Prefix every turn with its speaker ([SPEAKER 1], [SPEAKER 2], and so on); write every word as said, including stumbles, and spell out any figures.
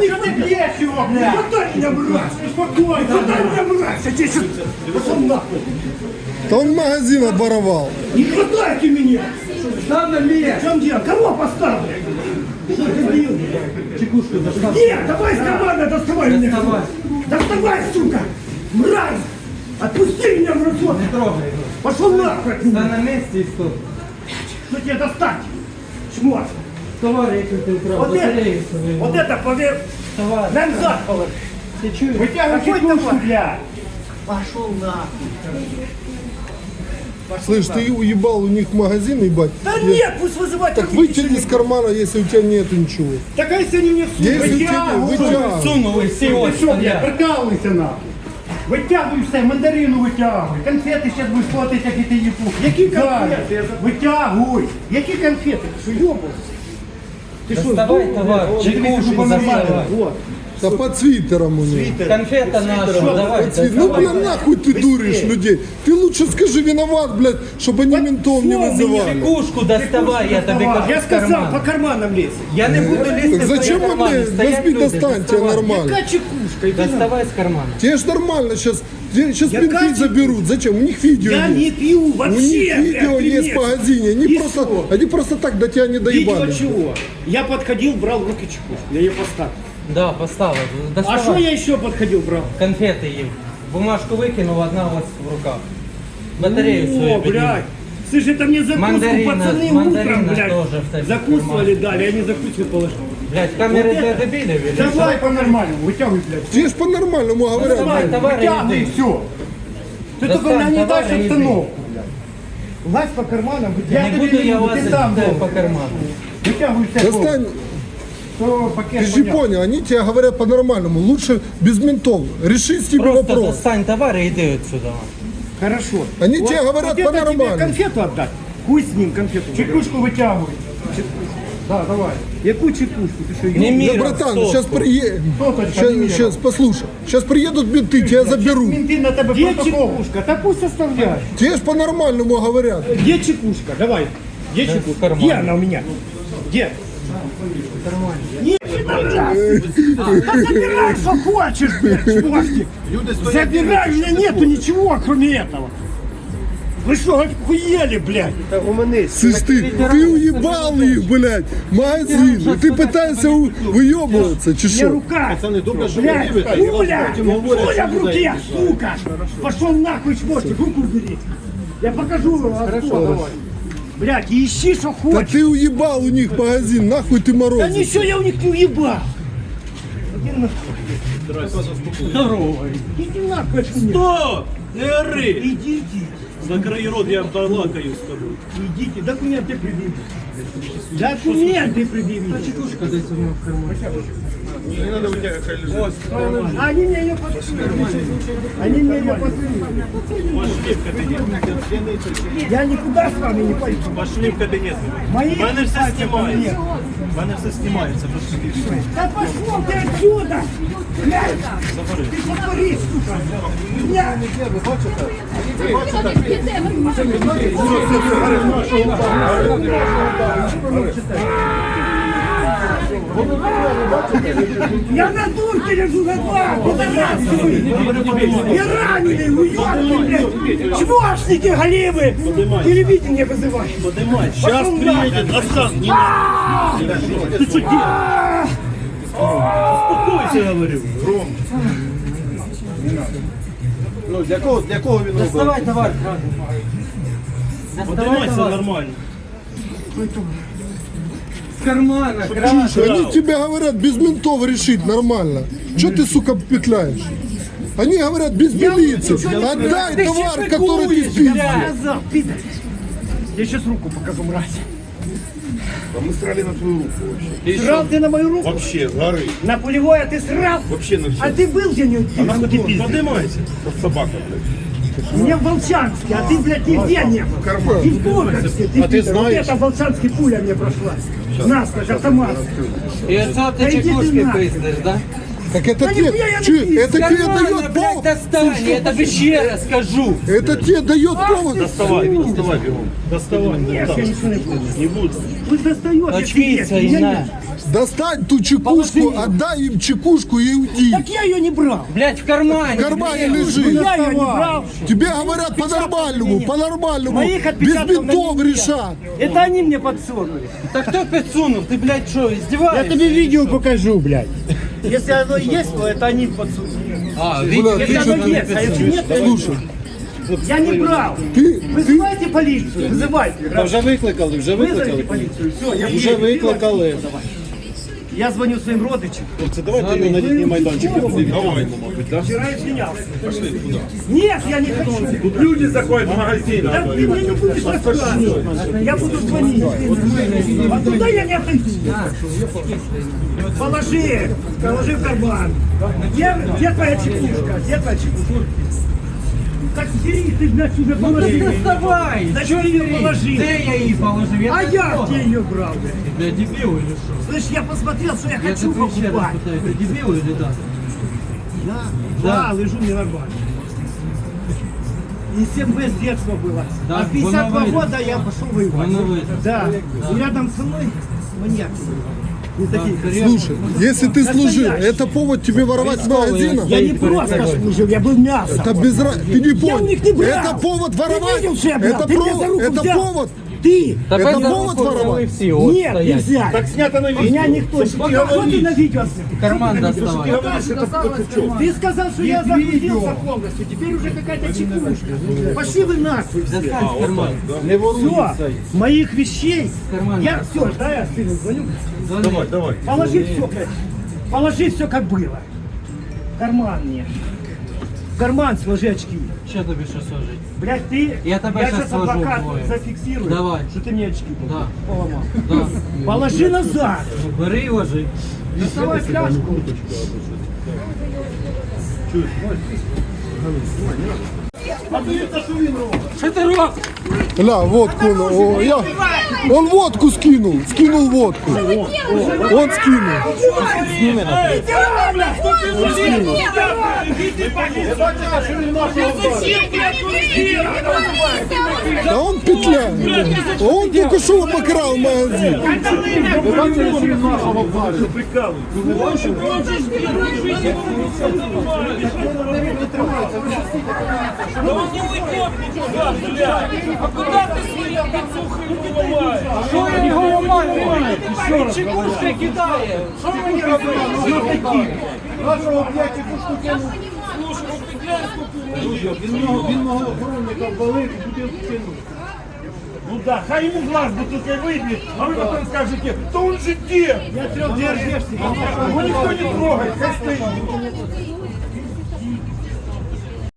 [SPEAKER 1] не бьешь его, блядь! Хватай меня, мразь! Спокойно! Хватай меня, мразь! Я тебе сейчас... Пошел нахуй!
[SPEAKER 2] Да он магазин оборовал.
[SPEAKER 1] Не хватайте меня! Там на меня! В чем дело? Кого поставлю? Что ты бил? Чекушку доставай. Нет, давай с командой доставай меня! Доставай! Доставай, сука! Мразь! Отпусти меня, мразот!
[SPEAKER 3] Не трогай его.
[SPEAKER 1] Пошел нахуй!
[SPEAKER 3] Да на месте и стоп.
[SPEAKER 1] Что тебе достать? Шмот!
[SPEAKER 3] Товарищ, ты украл.
[SPEAKER 1] Вот это,
[SPEAKER 3] Батарею свою.
[SPEAKER 1] вот это поверь!
[SPEAKER 3] Товарищ.
[SPEAKER 1] Назад положи!
[SPEAKER 3] Ты чуешь?
[SPEAKER 1] Вытягивай чекушку, блядь! Пошел нахуй!
[SPEAKER 2] Слышь, ты уебал у них магазин, ебать?
[SPEAKER 1] Да нет, пусть вызывать.
[SPEAKER 2] Так вытяни из кармана, если у тебя нету ничего.
[SPEAKER 1] Так а если они мне сунут?
[SPEAKER 2] Если у тебя вытягивай.
[SPEAKER 3] Сунул и
[SPEAKER 1] Ты
[SPEAKER 3] все,
[SPEAKER 1] що, блядь, прикалуйся нахуй. Витягуй все, мандарину витягуй. Конфети зараз будеш платити, як і ти їпух. Які конфети? Витягуй. Які конфети? Ти що, йобав? Ти що,
[SPEAKER 3] Доставай,
[SPEAKER 1] здурів,
[SPEAKER 3] товар,
[SPEAKER 1] блядь?
[SPEAKER 3] чекушку
[SPEAKER 1] Дивись, що
[SPEAKER 3] доставай.
[SPEAKER 1] нормально. Вот.
[SPEAKER 2] Да под свитером у него.
[SPEAKER 3] Конфета наша, давай.
[SPEAKER 2] Под свит- Ну, бля, нахуй ты дуришь людей. Ты лучше скажи виноват, блядь, чтобы они ментов не
[SPEAKER 1] всё,
[SPEAKER 2] вызывали.
[SPEAKER 3] Чекушку доставай, я тебе кажу.
[SPEAKER 1] Я
[SPEAKER 3] в
[SPEAKER 1] сказав,
[SPEAKER 3] карман.
[SPEAKER 1] по карманам лезь.
[SPEAKER 3] Я не буду лізти
[SPEAKER 2] Так
[SPEAKER 3] в твої
[SPEAKER 2] зачем вы,
[SPEAKER 3] кармани.
[SPEAKER 2] блядь,
[SPEAKER 3] Стоять
[SPEAKER 2] возьми,
[SPEAKER 3] люди,
[SPEAKER 2] достань, тебе
[SPEAKER 3] доставай.
[SPEAKER 2] нормально.
[SPEAKER 1] Яка чекушка? Іди нахуй.
[SPEAKER 3] Доставай с кармана.
[SPEAKER 2] Тебе ж нормально сейчас, сейчас
[SPEAKER 1] Яка
[SPEAKER 2] менты
[SPEAKER 1] тебе-
[SPEAKER 2] заберут. Зачем? У них видео
[SPEAKER 1] Я
[SPEAKER 2] есть.
[SPEAKER 1] не пью
[SPEAKER 2] У
[SPEAKER 1] вообще,
[SPEAKER 2] них видео
[SPEAKER 1] блядь,
[SPEAKER 2] есть в
[SPEAKER 1] привет.
[SPEAKER 2] магазине. Они
[SPEAKER 1] И
[SPEAKER 2] просто,
[SPEAKER 1] что?
[SPEAKER 2] они просто так до тебя не
[SPEAKER 1] Видео
[SPEAKER 2] доебали.
[SPEAKER 1] чего? Я подходил, брал в руки чекушку. Я ее поставил.
[SPEAKER 3] Да, поставил.
[SPEAKER 1] А
[SPEAKER 3] Доставай.
[SPEAKER 1] что я еще подходил, брал?
[SPEAKER 3] Конфеты им. Бумажку выкинул, одна у вас в руках. Батарею свою
[SPEAKER 1] О,
[SPEAKER 3] подними.
[SPEAKER 1] блядь. Слышь, это мне закуску
[SPEAKER 3] Мандарина-
[SPEAKER 1] пацаны
[SPEAKER 3] мандарина
[SPEAKER 1] утром, блядь,
[SPEAKER 3] тоже в тебе
[SPEAKER 1] закусывали, дали, они закуску положили.
[SPEAKER 3] Блядь, камеры
[SPEAKER 1] Вот
[SPEAKER 3] для
[SPEAKER 1] это-
[SPEAKER 3] дебилов или
[SPEAKER 1] Давай
[SPEAKER 3] что?
[SPEAKER 1] по-нормальному, вытягивай, блядь.
[SPEAKER 2] Тебе ж по-нормальному говорят.
[SPEAKER 3] Давай,
[SPEAKER 2] блядь.
[SPEAKER 3] товары
[SPEAKER 1] Вытягивай и
[SPEAKER 3] иди.
[SPEAKER 1] все. Ты
[SPEAKER 3] Достань
[SPEAKER 1] только не
[SPEAKER 3] товары,
[SPEAKER 1] дашь
[SPEAKER 3] иди.
[SPEAKER 1] обстановку, блядь. Лазь по карманам,
[SPEAKER 3] Не
[SPEAKER 1] вытягивай.
[SPEAKER 3] буду я вас
[SPEAKER 1] ты сам
[SPEAKER 3] по
[SPEAKER 1] должен.
[SPEAKER 3] карману.
[SPEAKER 1] Вытягивай все.
[SPEAKER 2] Достань,
[SPEAKER 1] То пакет
[SPEAKER 2] ты же
[SPEAKER 1] понятно.
[SPEAKER 2] понял, они тебе говорят по-нормальному. Лучше без ментов. Реши с тебе
[SPEAKER 3] Просто
[SPEAKER 2] вопрос.
[SPEAKER 3] достань товары и иди отсюда.
[SPEAKER 1] Хорошо.
[SPEAKER 2] Они тебе говорят
[SPEAKER 1] это
[SPEAKER 2] по-нормальному.
[SPEAKER 1] тебе конфету отдать. Хуй с ним конфету. Чекушку вытягивай. Да, давай. Яку чекушку? Ты что,
[SPEAKER 3] Не
[SPEAKER 1] ёб-
[SPEAKER 3] мир.
[SPEAKER 2] Да, братан,
[SPEAKER 3] сотку.
[SPEAKER 2] сейчас приедут.
[SPEAKER 1] Соточка, не
[SPEAKER 2] Сейчас,
[SPEAKER 1] мира.
[SPEAKER 2] послушай. Сейчас приедут менты, тебя заберут.
[SPEAKER 1] Менты на тебе Где чекушка? Да пусть оставляют.
[SPEAKER 2] Тебе ж по-нормальному говорят.
[SPEAKER 1] Где чекушка? Давай. Где
[SPEAKER 3] в
[SPEAKER 1] чекушка?
[SPEAKER 3] кармане.
[SPEAKER 1] Где она у меня? Где? Нет, забирай, что хочешь, блядь, чувачки. Забирай, у меня нету ничего, кроме этого. Вы что, охуели, блядь?
[SPEAKER 2] Слышь, ты, ты уебал их, блядь, магазин. И ты пытаешься у- выебываться, чи
[SPEAKER 1] Мне
[SPEAKER 2] шо?
[SPEAKER 1] рука, блядь, пуля, пуля в руке, сука. Пошел нахуй, чмошник, руку убери. Я покажу, откуда. Блядь, и ищи, что
[SPEAKER 2] Да
[SPEAKER 1] хочешь.
[SPEAKER 2] ты уебал у них магазин, нахуй ты
[SPEAKER 1] Да
[SPEAKER 2] морозишь.
[SPEAKER 1] ничего я у них не уебал. Иди нахуй. Здорово. Иди нахуй от меня.
[SPEAKER 4] Стоп! Не ори!
[SPEAKER 1] Идите.
[SPEAKER 4] Закрий рот, я балакаю з тобою.
[SPEAKER 1] Идите, документы предъявите. Документы предъявите.
[SPEAKER 3] Чекушка десь у меня в кармане.
[SPEAKER 1] Они мне ее посылают. Они мне ее посылают.
[SPEAKER 4] Пошли в кабінет.
[SPEAKER 1] Я никуда с вами не пойду.
[SPEAKER 4] Пошли в кабінет.
[SPEAKER 1] Мои
[SPEAKER 4] У мене все
[SPEAKER 1] пальцы
[SPEAKER 4] знімається.
[SPEAKER 1] ко мне.
[SPEAKER 4] У мене все знімається. Пошли.
[SPEAKER 1] Да пошел ты отсюда! Блядь! Ты повтори, сука! Меня! Я на дурке лежу на два! Я раненый, уёбки, блядь! Чмошники, голимы! Телевидение вызывай!
[SPEAKER 4] Подимай. Зараз
[SPEAKER 1] Пошел
[SPEAKER 4] приїде, розказ.
[SPEAKER 1] А!
[SPEAKER 4] Ти що дієш?
[SPEAKER 1] А!
[SPEAKER 4] Успокойся, говорю.
[SPEAKER 5] Ну, для кого, для кого він робив?
[SPEAKER 3] Доставай товар, краденый. Доставай
[SPEAKER 4] Подимайся
[SPEAKER 3] товар.
[SPEAKER 4] нормально.
[SPEAKER 3] С кармана, краденый.
[SPEAKER 2] Они тебе говорят без ментов решить нормально. Че ты, сука, петляешь? Они говорят без милиции. Отдай
[SPEAKER 3] Ты
[SPEAKER 2] товар,
[SPEAKER 3] щепекуешь,
[SPEAKER 2] который ты
[SPEAKER 3] блядь.
[SPEAKER 2] спиздил.
[SPEAKER 1] Сказал, пидор! Я сейчас руку покажу, мразь.
[SPEAKER 5] Мы срали на твою руку вообще.
[SPEAKER 1] Срал ты на мою руку?
[SPEAKER 5] Вообще, с горы.
[SPEAKER 1] На пулевое ты срал?
[SPEAKER 5] Вообще на все.
[SPEAKER 1] А ты был где-нибудь?
[SPEAKER 5] нахуй ты пиздишь?
[SPEAKER 4] Подимайся.
[SPEAKER 5] Как собака, блядь.
[SPEAKER 1] Не в Волчанске, а ты, блядь, нигде не был.
[SPEAKER 5] карман.
[SPEAKER 1] И в Горковске. Ты,
[SPEAKER 5] А ты
[SPEAKER 1] пидор,
[SPEAKER 5] знаешь?
[SPEAKER 1] Вот это в Волчанске пуля мне прошла. Насквозь, автомат.
[SPEAKER 3] И отца
[SPEAKER 1] Да
[SPEAKER 3] ты
[SPEAKER 1] иди ты
[SPEAKER 3] чекушки
[SPEAKER 1] нахуй.
[SPEAKER 3] пиздишь, да?
[SPEAKER 2] Так это
[SPEAKER 1] Да
[SPEAKER 2] тебе,
[SPEAKER 1] нихуя я не
[SPEAKER 2] чё,
[SPEAKER 1] пиздил.
[SPEAKER 2] это тебе
[SPEAKER 3] Кармана,
[SPEAKER 2] дает
[SPEAKER 3] блядь,
[SPEAKER 2] повод.
[SPEAKER 3] достань, я тебе еще раз скажу.
[SPEAKER 2] Это тебе дает повод.
[SPEAKER 4] Доставай, доставай бігом. Доставай.
[SPEAKER 1] Нет,
[SPEAKER 4] Так.
[SPEAKER 1] я ничего не буду.
[SPEAKER 4] Не буду.
[SPEAKER 1] Пусть достает, если
[SPEAKER 3] Очкиться
[SPEAKER 1] есть.
[SPEAKER 3] и
[SPEAKER 1] Меня
[SPEAKER 3] на.
[SPEAKER 1] нет.
[SPEAKER 2] Достань ту чекушку, отдай им чекушку и уйди.
[SPEAKER 1] Так я ее не брал.
[SPEAKER 3] Блядь, в кармане.
[SPEAKER 2] В кармане
[SPEAKER 1] Я
[SPEAKER 2] лежит.
[SPEAKER 1] ее не брал.
[SPEAKER 2] Тебе говорят по-нормальному, по-нормальному.
[SPEAKER 1] Моих
[SPEAKER 2] Без
[SPEAKER 1] отпечатков на
[SPEAKER 2] бинтов
[SPEAKER 1] ней нет.
[SPEAKER 2] решат.
[SPEAKER 1] Это они мне подсунули.
[SPEAKER 3] Так кто подсунул? Ты, блядь, что,
[SPEAKER 1] Я
[SPEAKER 3] издеваешься?
[SPEAKER 1] тебе видео покажу, блядь. Если оно есть, то это они подсунули.
[SPEAKER 3] А,
[SPEAKER 2] Бля,
[SPEAKER 3] видите,
[SPEAKER 2] ты
[SPEAKER 1] Если
[SPEAKER 2] что
[SPEAKER 1] оно есть, а если нет, то
[SPEAKER 2] Слушай,
[SPEAKER 1] я не брал.
[SPEAKER 2] ты, ты,
[SPEAKER 1] Вызывайте полицию, вызывайте.
[SPEAKER 4] Та вже викликали, вже
[SPEAKER 1] Вызовите
[SPEAKER 4] викликали.
[SPEAKER 1] полицию, все, я
[SPEAKER 4] Вже викликали.
[SPEAKER 1] Я звоню своим родичам.
[SPEAKER 4] Хлопці, давайте його на літній майданчик подивимо, мабуть, да?
[SPEAKER 1] Вчера извинялся. Нет, я не хочу.
[SPEAKER 5] Тут люди заходят в магазин.
[SPEAKER 1] Да ты мне не будешь рассказывать. Я буду звонить. А туда я не отойду. Положи, положи в карман. Где, где твоя чекушка? Где твоя чекушка? Так бери, ты, значит, уже
[SPEAKER 3] Ну ты
[SPEAKER 1] положил.
[SPEAKER 3] доставай!
[SPEAKER 1] Зачем
[SPEAKER 3] Чё
[SPEAKER 1] ее
[SPEAKER 3] бери?
[SPEAKER 1] положил?
[SPEAKER 3] Где я ее положил? Я
[SPEAKER 1] А
[SPEAKER 3] так
[SPEAKER 1] я
[SPEAKER 3] трогал.
[SPEAKER 1] где ее брал? блядь?
[SPEAKER 3] Ты, блядь, дебил или что?
[SPEAKER 1] Слышь, я посмотрел, что я
[SPEAKER 3] Я
[SPEAKER 1] хочу
[SPEAKER 3] тебя еще раз
[SPEAKER 1] покупать.
[SPEAKER 3] пытаюсь, ты дебил или да?
[SPEAKER 1] Да,
[SPEAKER 3] Да.
[SPEAKER 1] да, лежу мне нормально. И семь бэ с детства было.
[SPEAKER 3] Да,
[SPEAKER 1] а в пятьдесят два
[SPEAKER 3] воно
[SPEAKER 1] года я пошел воевать.
[SPEAKER 3] Воно видно.
[SPEAKER 1] Да. И рядом со мной маньяки были. Не такие.
[SPEAKER 2] слушай, если ты служил, это повод тебе воровать с магазина?
[SPEAKER 1] Я не просто служил, я был мясом.
[SPEAKER 2] Это без ra- Ты не
[SPEAKER 1] Я у
[SPEAKER 2] понял.
[SPEAKER 1] них не брал.
[SPEAKER 2] Это повод воровать.
[SPEAKER 1] Ты видел, что я брал?
[SPEAKER 2] Это,
[SPEAKER 1] Ты
[SPEAKER 2] про-
[SPEAKER 1] меня за руку
[SPEAKER 2] это
[SPEAKER 1] взял.
[SPEAKER 2] повод.
[SPEAKER 1] Ты!
[SPEAKER 3] Так
[SPEAKER 2] Это
[SPEAKER 3] за
[SPEAKER 2] повод
[SPEAKER 3] руку
[SPEAKER 2] воровать?
[SPEAKER 3] взял и все, вот
[SPEAKER 1] Нет,
[SPEAKER 3] стоять.
[SPEAKER 1] нельзя.
[SPEAKER 5] Так снято на
[SPEAKER 1] Меня
[SPEAKER 5] видео.
[SPEAKER 1] никто не... Что ты на видео?
[SPEAKER 3] Карман доставай.
[SPEAKER 1] Ты сказал, что я загрузился полностью. Теперь уже какая-то чекушка. Пошли вы нахуй все.
[SPEAKER 3] Достань в карман.
[SPEAKER 1] Все, моих вещей.
[SPEAKER 3] Карман.
[SPEAKER 1] Я все, да, я сыну звоню.
[SPEAKER 5] Давай, давай.
[SPEAKER 1] Положи все, блядь. Положи все, как было. В карман мне. В карман сложи очки.
[SPEAKER 3] Что тебе сейчас сложить?
[SPEAKER 1] Блядь, ты...
[SPEAKER 3] Я тебя щас
[SPEAKER 1] сейчас
[SPEAKER 3] сложу
[SPEAKER 1] адвокат
[SPEAKER 3] вдвоє.
[SPEAKER 1] зафиксирую.
[SPEAKER 3] Давай.
[SPEAKER 1] Что ты мне очки
[SPEAKER 3] Да.
[SPEAKER 1] поломал.
[SPEAKER 3] Да.
[SPEAKER 1] Положи назад.
[SPEAKER 3] Бери и ложи.
[SPEAKER 1] Доставай фляжку.
[SPEAKER 3] Что ты робишь?
[SPEAKER 2] Ля, водку. ну, о, я, он водку скинул. Скинул водку. Он скинул. Да он петляет. Он только что обокрал магазин.
[SPEAKER 3] Что я его ломаю? Чекушкой кидаю. Что вы не робите?
[SPEAKER 5] Він мого охоронника вбалив і бутилку кинув. Ну да, хай йому глаз бутылкой выбьет, а вы потом скажете, то он же где?
[SPEAKER 1] Я трех держишься.
[SPEAKER 5] Его никто не трогает, хай стоит.